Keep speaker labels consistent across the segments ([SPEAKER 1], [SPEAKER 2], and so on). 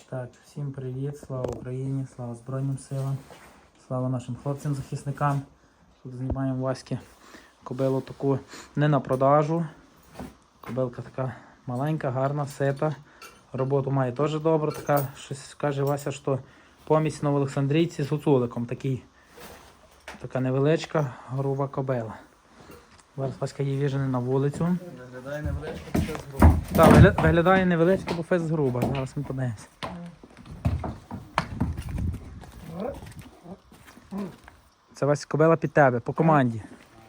[SPEAKER 1] Так, всім привіт, слава Україні, слава Збройним силам, слава нашим хлопцям-захисникам. Тут знімаємо Васьки кобилу таку не на продажу. Кобилка така маленька, гарна, сита. Роботу має теж добре. Така, щось каже Вася, що помість новоолександрійці з гуцуликом. Така невеличка, груба кобила. Зараз Васька її віжене на вулицю.
[SPEAKER 2] Виглядає невеличко, бо фес груба.
[SPEAKER 1] Так, виглядає невеличко, бо фес груба. Зараз ми подивимося. Це Вася кобила під тебе, по команді.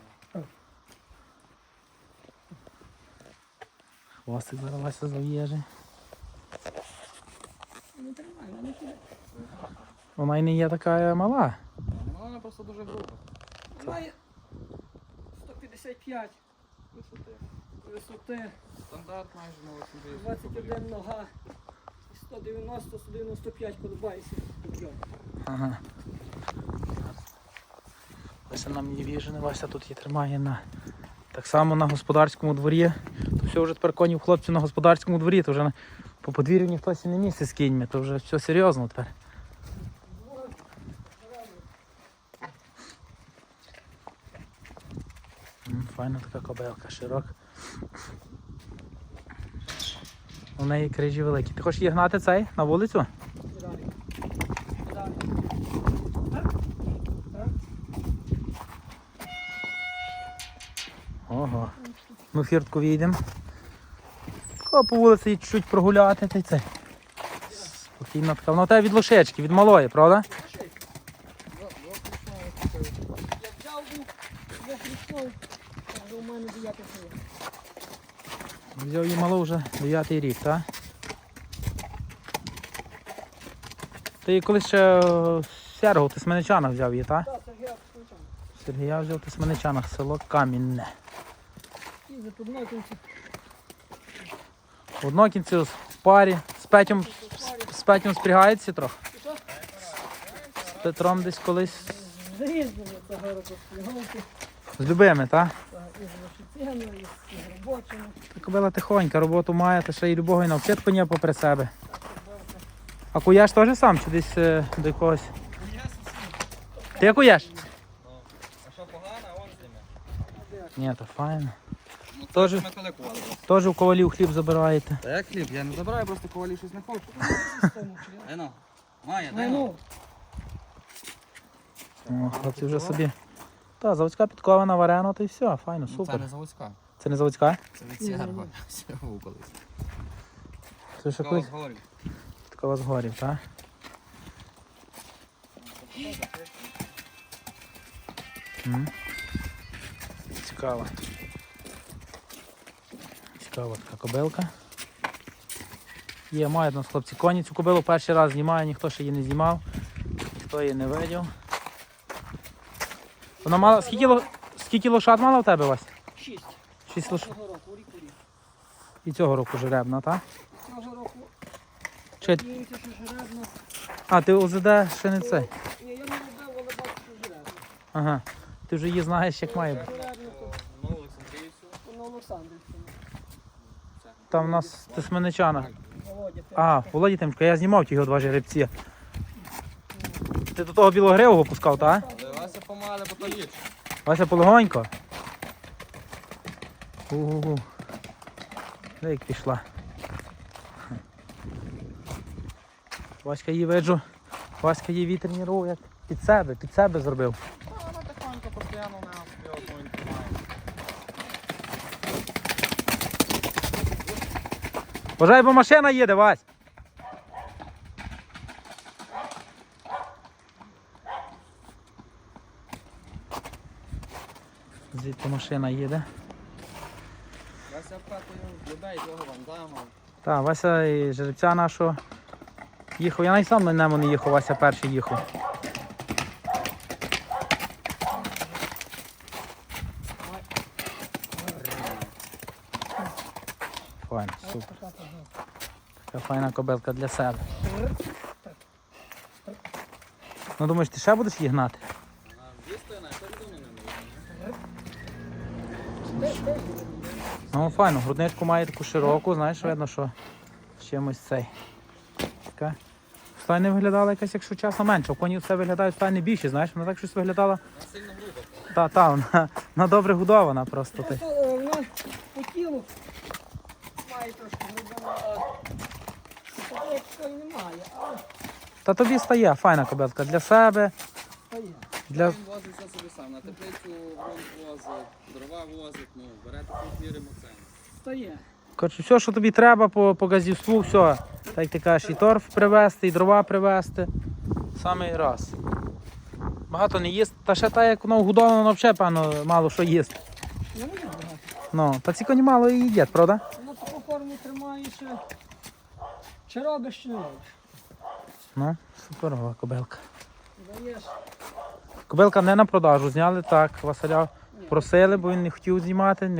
[SPEAKER 1] Хвостик зараз Вася зав'єже. Вона й не є така мала.
[SPEAKER 2] Вона просто дуже груба.
[SPEAKER 3] Має 155 висоти,
[SPEAKER 2] Стандарт майже на 80.
[SPEAKER 3] 21 нога, 190-195 колебається.
[SPEAKER 1] Ага. Вася нам її віжене, Вася тут її тримає так само на господарському дворі. То все вже тепер конів хлопців на господарському дворі, то вже по подвір'ю ніхто не місце з кіньми, то вже все серйозно тепер. Файна така кобилка, широка. У неї крижі великі. Ти хочеш її гнати цей на вулицю? Ого. Ну фіртку війдемо. По вулиці чуть-чуть прогуляти та й це. Спокійно така. Вона у тебе від лошечки, від малої, правда?
[SPEAKER 3] Я взяв двохрічну, але у мене 9 років.
[SPEAKER 1] Взяв її малу вже 9-й рік, так? Ти колись ще Сергу в Тисменичанах взяв її, так?
[SPEAKER 3] Так, Сергія Куличан.
[SPEAKER 1] Сергія взяв в Тисменичанах, село Камінне.
[SPEAKER 3] І за Поднокінці.
[SPEAKER 1] В Однокінці в парі. З Петем спрягається трохи.
[SPEAKER 3] Що?
[SPEAKER 1] З Петром десь колись.
[SPEAKER 3] Заїздили цього року спігалки.
[SPEAKER 1] З любими, так?
[SPEAKER 3] І з лошицями, і з робочими.
[SPEAKER 1] Та кобила тихонька, роботу має, та ще й любого і навчити коня попри себе. А куєш теж сам чи десь до якогось? Ти куєш?
[SPEAKER 2] А що погано, а он зніме.
[SPEAKER 1] Ні, то файно.
[SPEAKER 2] Ну,
[SPEAKER 1] Теж-
[SPEAKER 2] ми коли кували.
[SPEAKER 1] Теж у ковалів хліб забираєте.
[SPEAKER 2] Та як хліб? Я не забираю, просто ковалі щось не хочу. Ено, Майя, дай
[SPEAKER 3] Ну,
[SPEAKER 1] О, хлопці вже собі. Та, заводська підкована, варена, то і все, файно,
[SPEAKER 2] Це
[SPEAKER 1] супер.
[SPEAKER 2] не заводська.
[SPEAKER 1] Це не заводська?
[SPEAKER 2] Це від Сєрго. Сєрго колись.
[SPEAKER 1] Це ще
[SPEAKER 2] Кого
[SPEAKER 1] колись
[SPEAKER 2] згорів.
[SPEAKER 1] підкова з горів, так? Цікаво. Цікава така кобилка. Є, мають у нас хлопці коні. Цю кобилу перший раз знімаю, ніхто ще її не знімав, ніхто її не видів. Вона мала. Скільки лошад мала в тебе, Вась?
[SPEAKER 3] 6.
[SPEAKER 1] 6 лошад.
[SPEAKER 3] Цього року, рік у рік.
[SPEAKER 1] І цього року жеребна, так?
[SPEAKER 3] Цього року
[SPEAKER 1] Чи...
[SPEAKER 3] діється, що жеребно.
[SPEAKER 1] А, ти ОЗД ще не цей.
[SPEAKER 3] Ні, я не робив, але бачу, що жеребно.
[SPEAKER 1] Ага. Ти вже її знаєш, як має бути.
[SPEAKER 3] Жеребно то
[SPEAKER 2] Ну, Олександрійцю.
[SPEAKER 3] на Олександрівщині.
[SPEAKER 1] Там у нас в Тисменичанах.
[SPEAKER 3] Володя, ти.
[SPEAKER 1] А, Володі Тимчко, я знімав ті його два жеребці. Ти до того білогривого пускав, так?
[SPEAKER 2] Вася помале, бо то ліпше.
[SPEAKER 1] Вася полегонько. Угу. Де як пішла. Васька її виджу. Васька її тренував, як під себе зробив.
[SPEAKER 2] Вона тихонько постійно на собі одну він тримає.
[SPEAKER 1] Бажай, бо машина їде, Вась. Звідти машина їде.
[SPEAKER 2] Вася вкатує людей, того вандама.
[SPEAKER 1] Так, Вася і жеребця нашого їхав. Я навіть сам на ньому не їхав, Вася перший їхав. Файно, супер. Така файна кобилка для себе. Ну думаєш, ти ще будеш її гнати? Ну файно, грудничку має таку широку, знаєш, видно, що з чимось цей. Така стайня виглядала якась, якщо чесно, менше. У коні все виглядають стайні більші, знаєш, вона так щось виглядала.
[SPEAKER 2] Сильно грубо.
[SPEAKER 1] Та, вона добре годована просто.
[SPEAKER 3] Просто вона по тілу має трошки грубина, а такої немає, але
[SPEAKER 1] Та тобі стає файна кобилка для себе,
[SPEAKER 3] стає.
[SPEAKER 1] для...
[SPEAKER 2] Він возить все собі сам. На теплицю ґрунт возить, дрова возить, ну, бере таку віримо це.
[SPEAKER 3] Стає.
[SPEAKER 1] Коротше, все, що тобі треба по газівству, все. Так як ти кажеш, і торф привезти, і дрова привезти. Самий раз. Багато не їсть. Та ще та, як воно вгодовано, воно взагалі, певно, мало що їсть.
[SPEAKER 3] Не буде багато.
[SPEAKER 1] Ну, та ці коні мало і їдять, правда?
[SPEAKER 3] Вона таку форму тримає ще. Чи робиш, чи не робиш.
[SPEAKER 1] Ну, суперова кобилка.
[SPEAKER 3] Даєш.
[SPEAKER 1] Кобилка не на продажу, зняли так, Василя просили, бо він не хотів знімати,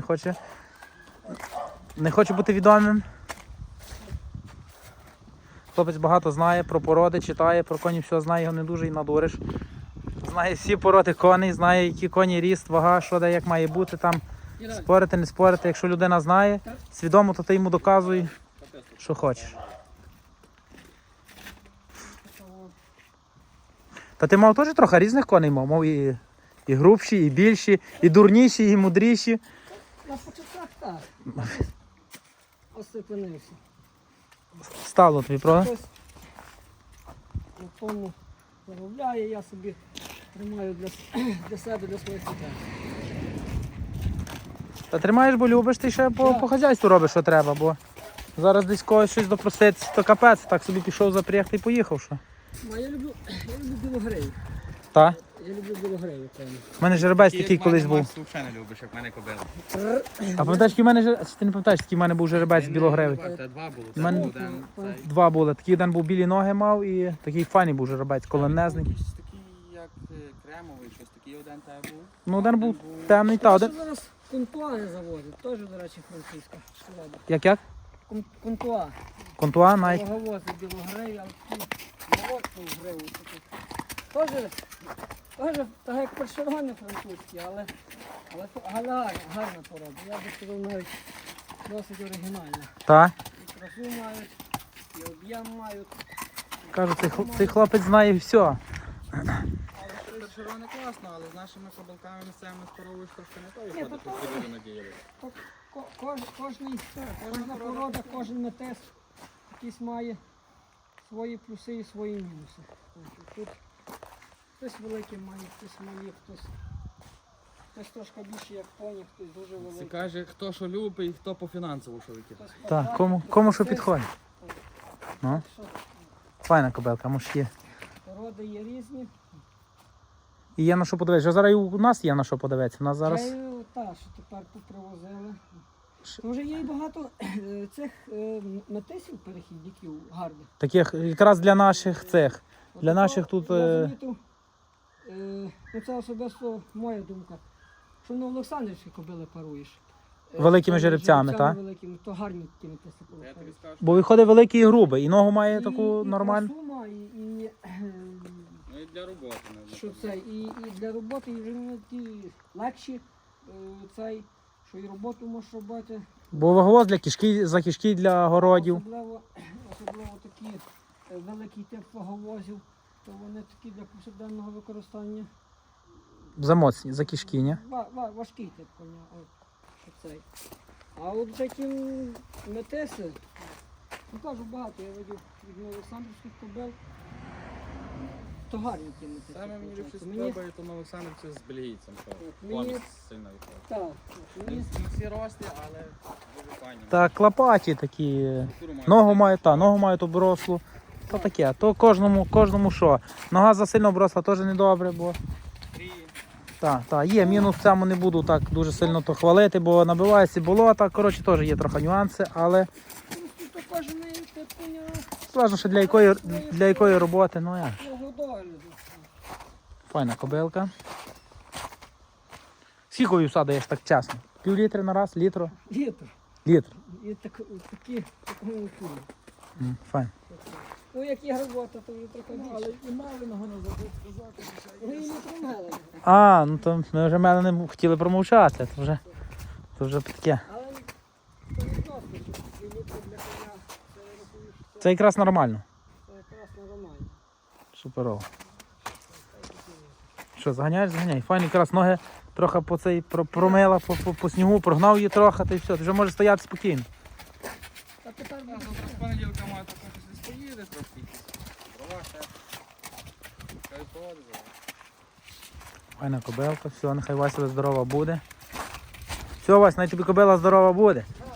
[SPEAKER 1] не хоче бути відомим. Хлопець багато знає про породи, читає, про коні все знає, його не дуже і надуриш. Знає всі породи коней, знає, які коні ріст, вага, що де, як має бути там. Спорити, не спорити. Якщо людина знає, свідомо, то ти йому доказуй, що хочеш. Та ти мав теж трохи різних коней, мав і грубші, і більші, і дурніші, і мудріші.
[SPEAKER 3] На початках так. Остепенився.
[SPEAKER 1] Стало тобі, правда?
[SPEAKER 3] Хтось на тому заробляє, я собі тримаю для себе, для своїх дітей.
[SPEAKER 1] Та тримаєш, бо любиш, ти ще по хазяйству робиш, що треба, бо зараз десь когось щось допроситися, то капець, так собі пішов запрягти і поїхав, що.
[SPEAKER 3] Я люблю білогрею.
[SPEAKER 1] Та?
[SPEAKER 3] Я люблю білогрею, певно.
[SPEAKER 1] У мене жеребець такий колись був.
[SPEAKER 2] Ти взагалі не любиш, як в мене кобила.
[SPEAKER 1] А пам'ятаєш, який в мене жеребець? Ти не пам'ятаєш, який в мене був жеребець білогревий?
[SPEAKER 2] Це два було.
[SPEAKER 1] У мене-
[SPEAKER 2] Один, цей.
[SPEAKER 1] Два були. Такий один був білі ноги мав і такий файний був жеребець, колонезний.
[SPEAKER 2] Якийсь такий, як кремовий, щось такий один тебе був.
[SPEAKER 1] Ну, один був темний, та один.
[SPEAKER 3] Ще зараз контуа заводять, теж, до речі, французька. шкода.
[SPEAKER 1] Як?
[SPEAKER 3] Контуа.
[SPEAKER 1] Контуа, Найк.
[SPEAKER 3] Довговозить білогрею, але такі молодшу гриву. Теж так як першерони французькі, але гарна порода. Я би сказав, навіть досить оригінальна.
[SPEAKER 1] Та?
[SPEAKER 3] І красу мають, і об'єм мають.
[SPEAKER 1] Кажу, цей хлопець знає все.
[SPEAKER 2] Першерони класно, але з нашими кобилками місцевими споровуєш трошки не то
[SPEAKER 3] Ні,
[SPEAKER 2] виходить,
[SPEAKER 3] то
[SPEAKER 2] що люди надіяли.
[SPEAKER 3] Кожна порода, кожен метес якийсь має свої плюси і свої мінуси. Тут хтось великий має, хтось малі, хтось трошки більше як поні, хтось дуже
[SPEAKER 2] Це
[SPEAKER 3] великий.
[SPEAKER 2] каже, хто що любить і хто по фінансово що викидає.
[SPEAKER 3] Хтось
[SPEAKER 1] Так,
[SPEAKER 3] квадратний,
[SPEAKER 1] кому що
[SPEAKER 3] хтось
[SPEAKER 1] підходить. Ну,
[SPEAKER 3] що
[SPEAKER 1] файна кобилка, може є.
[SPEAKER 3] Породи є різні.
[SPEAKER 1] І є на що подивитися. Зараз і у нас є на що подивитися. У нас зараз.
[SPEAKER 3] Та, що тепер попривозили. Вже є і багато цих метисів перехідників гарних.
[SPEAKER 1] Таких якраз для наших цих. Для наших тут,
[SPEAKER 3] Я замітив, ну це особисто моя думка, що на Олександрівській кобили паруєш.
[SPEAKER 1] Великими жеребцями, так?
[SPEAKER 3] Великими, то гарні такі метиси
[SPEAKER 2] Я тобі
[SPEAKER 3] паруєш.
[SPEAKER 2] скажу,
[SPEAKER 1] Бо виходить великий і грубий, і ногу має таку
[SPEAKER 3] І
[SPEAKER 1] нормальну.
[SPEAKER 3] красу має, і
[SPEAKER 2] ну і для роботи. не
[SPEAKER 3] що це, і для роботи, і вже не ті легші, цей, що і роботу можеш робити.
[SPEAKER 1] Бо ваговоз для кишки, за кишки для городів.
[SPEAKER 3] Особливо такі великий тип ваговозів, то вони такі для повсякденного використання.
[SPEAKER 1] Замоцні, за кишки, ні?
[SPEAKER 3] Важкий тип коня. От, що цей. А от такі метиси, ну кажу багато, я видів від Олександрівських кобил, то гарні ті метиси.
[SPEAKER 2] Саме мені більше
[SPEAKER 3] Мені-
[SPEAKER 2] сподобає, то на Олександрівці з бельгійцем, що
[SPEAKER 3] мені-
[SPEAKER 2] помість сильно виходить.
[SPEAKER 3] Так, мені
[SPEAKER 2] Не всі рості, але дуже файні.
[SPEAKER 1] Так, клопаті такі.
[SPEAKER 2] Структуру мають.
[SPEAKER 1] Ногу мають оброслу. То таке, то кожному що. Нога засильно обросла теж недобре, бо.
[SPEAKER 2] Трії.
[SPEAKER 1] Так, є мінус в цьому, не буду так дуже сильно то хвалити, бо набивається болота. Коротше, теж є трохи нюанси, але
[SPEAKER 3] то кожен тип коня
[SPEAKER 1] залежно, що для якої роботи, ну як.
[SPEAKER 3] свого догляду.
[SPEAKER 1] Файна кобилка. Скільки вівса даєш так чесно? Пів літри на раз, літру?
[SPEAKER 3] Літр.
[SPEAKER 1] Літр.
[SPEAKER 3] І такі кулі.
[SPEAKER 1] Файн.
[SPEAKER 3] Ну, як є робота, то вже трохи більше. Але і мали не забув сказати. Ну, і не тримали.
[SPEAKER 1] А, ну то ми вже мене не хотіли промовчати, то вже таке.
[SPEAKER 3] Але це не просто, що 2 літри для коня, це я рахую, що
[SPEAKER 1] Це якраз нормально.
[SPEAKER 3] це якраз нормально.
[SPEAKER 1] Суперово. Що, заганяєш, заганяй. Файно, якраз ноги трохи по цей промила, по снігу, прогнав її трохи, та й все, ти вже можеш стояти спокійно.
[SPEAKER 3] Та тепер
[SPEAKER 2] Ну,
[SPEAKER 3] буде
[SPEAKER 2] завтра з понеділка має так щось поїде трошки. Дрова ще. Хай поводи зараз.
[SPEAKER 1] Файна кобилка, все, нехай Вася здорова буде. Все, Вась, най тобі кобила здорова буде.